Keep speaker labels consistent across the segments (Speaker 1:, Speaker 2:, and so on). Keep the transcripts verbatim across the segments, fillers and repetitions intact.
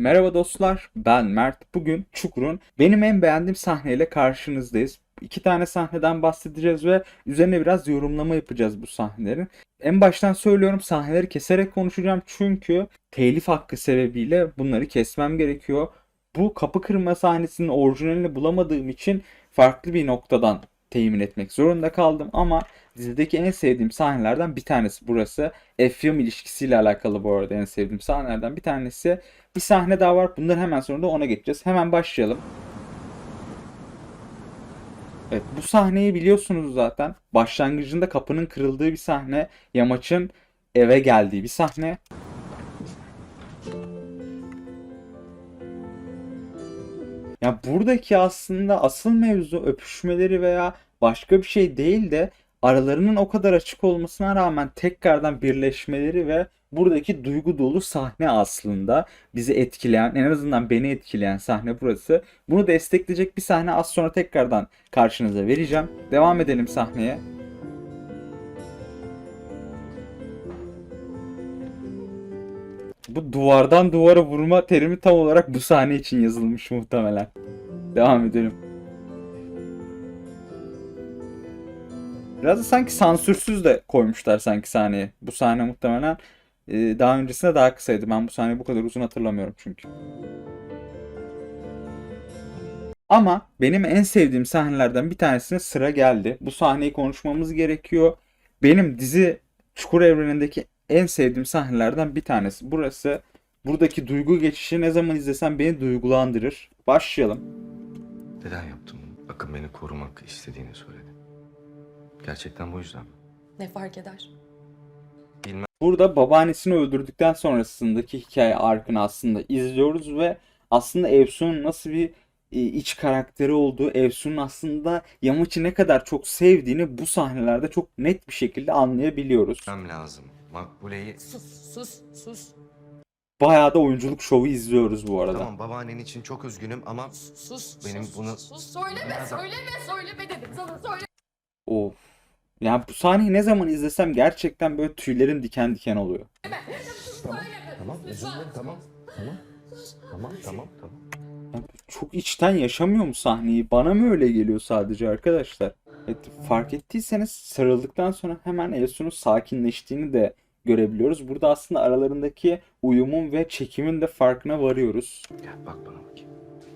Speaker 1: Merhaba dostlar, ben Mert. Bugün Çukur'un benim en beğendiğim sahneyle karşınızdayız. İki tane sahneden bahsedeceğiz ve üzerine biraz yorumlama yapacağız bu sahnelerin. En baştan söylüyorum, sahneleri keserek konuşacağım çünkü telif hakkı sebebiyle bunları kesmem gerekiyor. Bu kapı kırma sahnesinin orijinalini bulamadığım için farklı bir noktadan temin etmek zorunda kaldım ama dizideki en sevdiğim sahnelerden bir tanesi burası. Efyum ilişkisiyle alakalı bu arada en sevdiğim sahnelerden bir tanesi. Bir sahne daha var. Bunların hemen sonra da ona geçeceğiz. Hemen başlayalım. Evet, bu sahneyi biliyorsunuz zaten. Başlangıcında kapının kırıldığı bir sahne. Yamaç'ın eve geldiği bir sahne. Ya buradaki aslında asıl mevzu öpüşmeleri veya başka bir şey değil de aralarının o kadar açık olmasına rağmen tekrardan birleşmeleri ve buradaki duygu dolu sahne aslında bizi etkileyen, en azından beni etkileyen sahne burası. Bunu destekleyecek bir sahne az sonra tekrardan karşınıza vereceğim. Devam edelim sahneye. Bu duvardan duvara vurma terimi tam olarak bu sahne için yazılmış muhtemelen. Devam edelim. Biraz da sanki sansürsüz de koymuşlar sanki sahneye. Bu sahne muhtemelen e, daha öncesinde daha kısaydı. Ben bu sahneyi bu kadar uzun hatırlamıyorum çünkü. Ama benim en sevdiğim sahnelerden bir tanesine sıra geldi. Bu sahneyi konuşmamız gerekiyor. Benim dizi Çukur evrenindeki en sevdiğim sahnelerden bir tanesi. Burası. Buradaki duygu geçişi ne zaman izlesem beni duygulandırır. Başlayalım.
Speaker 2: Neden yaptım bunu? Akın beni korumak istediğini söyledi. Gerçekten bu yüzden mi?
Speaker 3: Ne fark eder?
Speaker 2: Bilmem.
Speaker 1: Burada babaannesini öldürdükten sonrasındaki hikaye arkını aslında izliyoruz ve aslında Efsun'un nasıl bir e, iç karakteri olduğu, Efsun'un aslında Yamaç'ı ne kadar çok sevdiğini bu sahnelerde çok net bir şekilde anlayabiliyoruz.
Speaker 2: Bilmem lazım. Makbule'yi...
Speaker 3: Sus, sus, sus.
Speaker 1: Bayağı da oyunculuk şovu izliyoruz bu arada.
Speaker 2: Tamam, babaannen için çok üzgünüm ama
Speaker 3: Sus,
Speaker 2: benim
Speaker 3: sus,
Speaker 2: bunu...
Speaker 3: sus. Söyleme, söyleme, söyleme dedim sana, söyle.
Speaker 1: Of. Yani bu sahneyi ne zaman izlesem gerçekten böyle tüylerim diken diken oluyor.
Speaker 2: Tamam, tamam, özür dilerim, tamam. Tamam, tamam, tamam, tamam.
Speaker 1: Yani çok içten yaşamıyor mu sahneyi? Bana mı öyle geliyor sadece arkadaşlar? Evet, fark ettiyseniz sarıldıktan sonra hemen Elsun'un sakinleştiğini de görebiliyoruz. Burada aslında aralarındaki uyumun ve çekimin de farkına varıyoruz.
Speaker 2: Gel bak bana bakayım.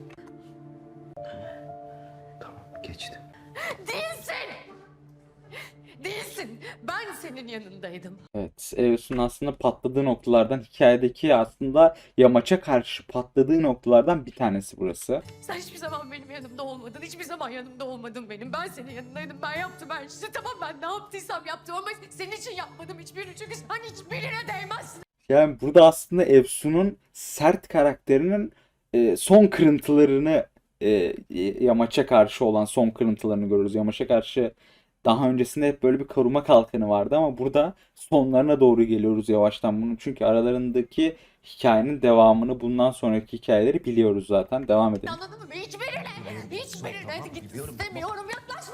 Speaker 2: Tamam, geçti.
Speaker 3: Değilsin. Değilsin. Ben senin yanındaydım.
Speaker 1: Evet, Elsun aslında patladığı noktalardan, hikayedeki aslında Yamaç'a karşı patladığı noktalardan bir tanesi burası.
Speaker 3: Sen hiçbir zaman benim yanımda olmadın. Hiçbir zaman yanımda olmadın benim. Ben senin yanındaydım. Ben yaptım her şeyi. Tamam, ben ne yaptıysam yaptım ama senin için yapmadım hiçbirini. Çünkü sen hiçbirine değmezsin.
Speaker 1: Yani burada aslında Efsun'un sert karakterinin e, son kırıntılarını e, Yamaç'a karşı olan son kırıntılarını görüyoruz. Yamaç'a karşı daha öncesinde hep böyle bir koruma kalkanı vardı ama burada sonlarına doğru geliyoruz yavaştan bunun. Çünkü aralarındaki hikayenin devamını, bundan sonraki hikayeleri biliyoruz zaten. Devam edelim.
Speaker 3: Anladın mı? Hiçbirine. Hiçbirine.
Speaker 2: Tamam,
Speaker 3: Git
Speaker 2: biliyorum.
Speaker 3: istemiyorum. Yaklaşma.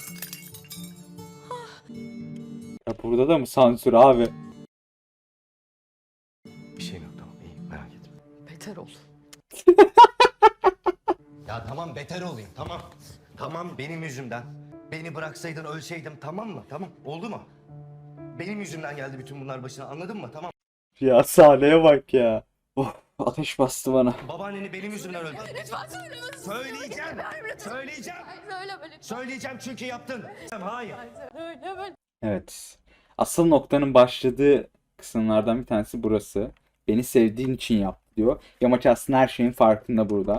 Speaker 1: Ya burada da mı sansür abi?
Speaker 2: Bir şeyim yok, tamam, iyi, merak etme.
Speaker 3: Beter ol.
Speaker 2: Ya tamam, beter olayım, tamam. Tamam, benim yüzümden. Beni bıraksaydın ölseydim, tamam mı? Tamam, oldu mu? Benim yüzümden geldi bütün bunlar başına, anladın mı? Tamam.
Speaker 1: Ya sahneye bak ya. Oh, ateş bastı bana.
Speaker 2: Babaanneni benim yüzümden öldü.
Speaker 3: Lütfen söyleme.
Speaker 2: Söyleyeceğim.
Speaker 3: Lütfen.
Speaker 2: Söyleyeceğim.
Speaker 3: Hayır, söyleme lütfen.
Speaker 2: Söyleyeceğim çünkü yaptın. Hayır.
Speaker 3: Hayır, söyleme.
Speaker 1: Evet. Asıl noktanın başladığı kısımlardan bir tanesi burası. Beni sevdiğin için yaptı diyor. Yamaç aslında her şeyin farkında burada.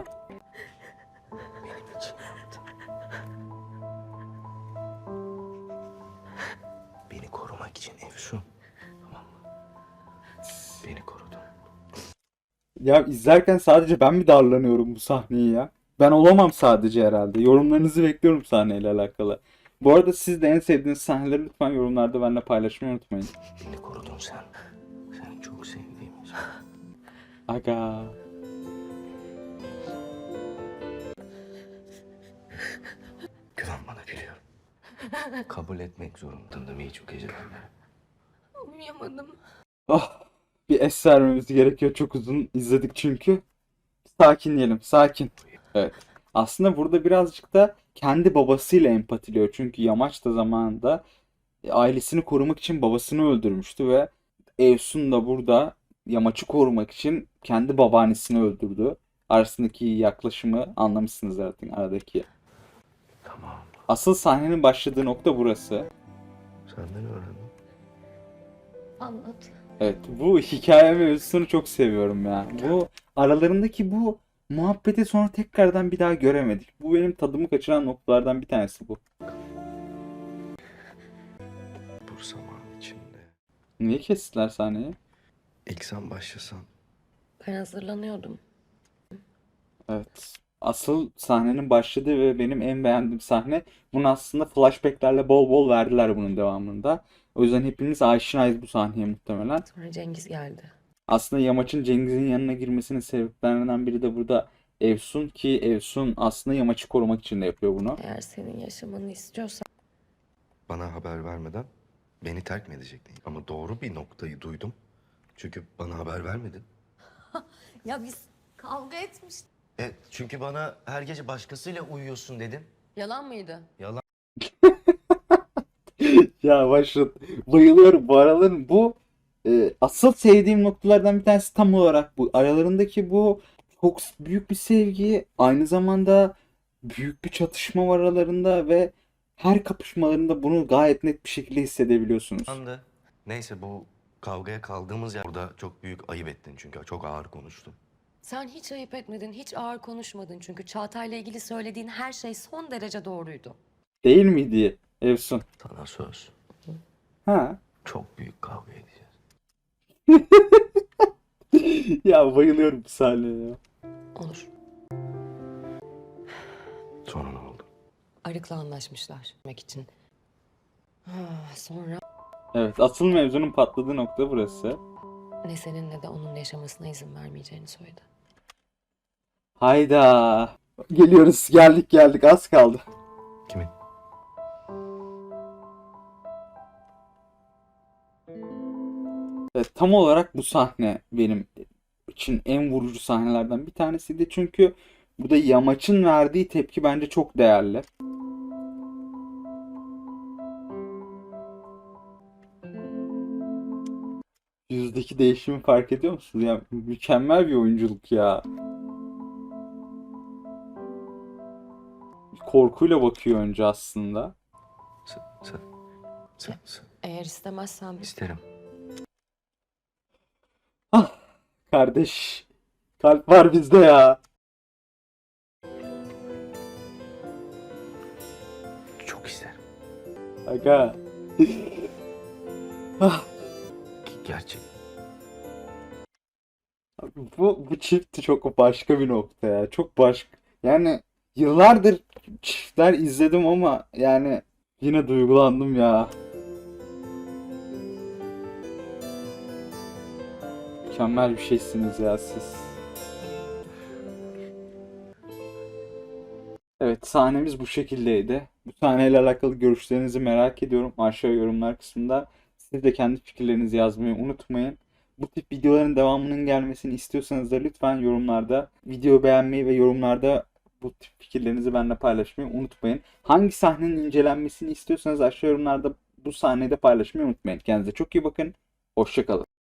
Speaker 2: Beni korumak için Efsun. Tamam mı? Beni korudun.
Speaker 1: Ya izlerken sadece ben mi darlanıyorum bu sahneyi ya? Ben olamam sadece herhalde. Yorumlarınızı bekliyorum sahneyle alakalı. Bu arada siz de en sevdiğiniz sahneleri lütfen yorumlarda benimle paylaşmayı unutmayın.
Speaker 2: Beni korudun sen. Seni çok sevdiğim için.
Speaker 1: Aga.
Speaker 2: Güven bana, biliyorum. Kabul etmek zorundaydım iyi çok geceler.
Speaker 3: Uyuyamadım.
Speaker 1: Oh, bir es vermemiz gerekiyor. Çok uzun izledik çünkü. sakinleyelim, sakin. Evet. Aslında burada birazcık da kendi babasıyla empatiliyor. Çünkü Yamaç da zamanında e, ailesini korumak için babasını öldürmüştü ve Evsun da burada Yamaç'ı korumak için kendi babaannesini öldürdü. Arasındaki yaklaşımı anlamışsınız zaten aradaki.
Speaker 2: Tamam.
Speaker 1: Asıl sahnenin başladığı nokta burası.
Speaker 2: Senden öğrendim.
Speaker 3: Anlat.
Speaker 1: Evet, bu hikaye mevzusunu çok seviyorum ya. Bu aralarındaki bu muhabbeti sonra tekrardan bir daha göremedik. Bu benim tadımı kaçıran noktalardan bir tanesi bu.
Speaker 2: Bu zaman içinde.
Speaker 1: Niye kestiler sahneyi?
Speaker 2: İlk sen başlasan.
Speaker 3: Ben hazırlanıyordum.
Speaker 1: Evet. Asıl sahnenin başladığı ve benim en beğendiğim sahne. Bunu aslında flashbacklerle bol bol verdiler bunun devamında. O yüzden hepimiz aşinayız bu sahneye muhtemelen.
Speaker 3: Sonra Cengiz geldi.
Speaker 1: Aslında Yamaç'ın Cengiz'in yanına girmesinin sebeplerinden biri de burada Evsun ki Evsun aslında Yamaç'ı korumak için de yapıyor bunu.
Speaker 3: Eğer senin yaşamanı istiyorsan
Speaker 2: Bana haber vermeden beni terk mi edecektin? Ama doğru bir noktayı duydum. Çünkü bana haber vermedin.
Speaker 3: ya biz kavga etmiştik.
Speaker 2: Evet, çünkü bana her gece başkasıyla uyuyorsun dedin.
Speaker 3: Yalan mıydı?
Speaker 2: Yalan.
Speaker 1: Ya başladı. Bayılıyorum bu araların bu e, asıl sevdiğim noktalardan bir tanesi tam olarak bu. Aralarındaki bu çok büyük bir sevgi, aynı zamanda büyük bir çatışma var aralarında ve her kapışmalarında bunu gayet net bir şekilde hissedebiliyorsunuz.
Speaker 2: Andı. Neyse bu kavgaya kaldığımız yer burada çok büyük ayıp ettin çünkü çok ağır konuştun.
Speaker 3: Sen hiç ayıp etmedin, hiç ağır konuşmadın. Çünkü Çağatay'la ilgili söylediğin her şey son derece doğruydu.
Speaker 1: Değil miydi Evsun?
Speaker 2: Sana söz.
Speaker 1: Ha?
Speaker 2: Çok büyük kavga edeceğiz.
Speaker 1: Ya bayılıyorum bu sahneye ya.
Speaker 3: Olur.
Speaker 2: Sonra ne oldu?
Speaker 3: Arık'la anlaşmışlar demek için. Ah, sonra
Speaker 1: Evet, asıl mevzunun patladığı nokta burası.
Speaker 3: ne senin ne de onun yaşamasına izin vermeyeceğini söyledi.
Speaker 1: Hayda. Geliyoruz, geldik geldik, az kaldı.
Speaker 2: Kimin?
Speaker 1: Evet, tam olarak bu sahne benim için en vurucu sahnelerden bir tanesiydi. Çünkü burada Yamaç'ın verdiği tepki bence çok değerli. Yüzdeki değişimi fark ediyor musunuz? Ya mükemmel bir oyunculuk ya. Korkuyla bakıyor önce aslında.
Speaker 2: Sen, sen, sen, sen.
Speaker 3: Eğer istemezsen biz...
Speaker 2: İsterim.
Speaker 1: Ah kardeş. Kalp var bizde ya.
Speaker 2: Çok isterim.
Speaker 1: Aga. Ah.
Speaker 2: Gerçek.
Speaker 1: Bu, bu çift çok başka bir nokta ya. Çok başka. Yani yıllardır çiftler izledim ama yani yine duygulandım ya. Mükemmel bir şeysiniz ya siz. Evet, sahnemiz bu şekildeydi. Bu sahneyle alakalı görüşlerinizi merak ediyorum. Aşağı yorumlar kısmında. Siz de kendi fikirlerinizi yazmayı unutmayın. Bu tip videoların devamının gelmesini istiyorsanız da lütfen yorumlarda video beğenmeyi ve yorumlarda bu tip fikirlerinizi benimle paylaşmayı unutmayın. Hangi sahnenin incelenmesini istiyorsanız aşağı yorumlarda bu sahneyi de paylaşmayı unutmayın. Kendinize çok iyi bakın. Hoşça kalın.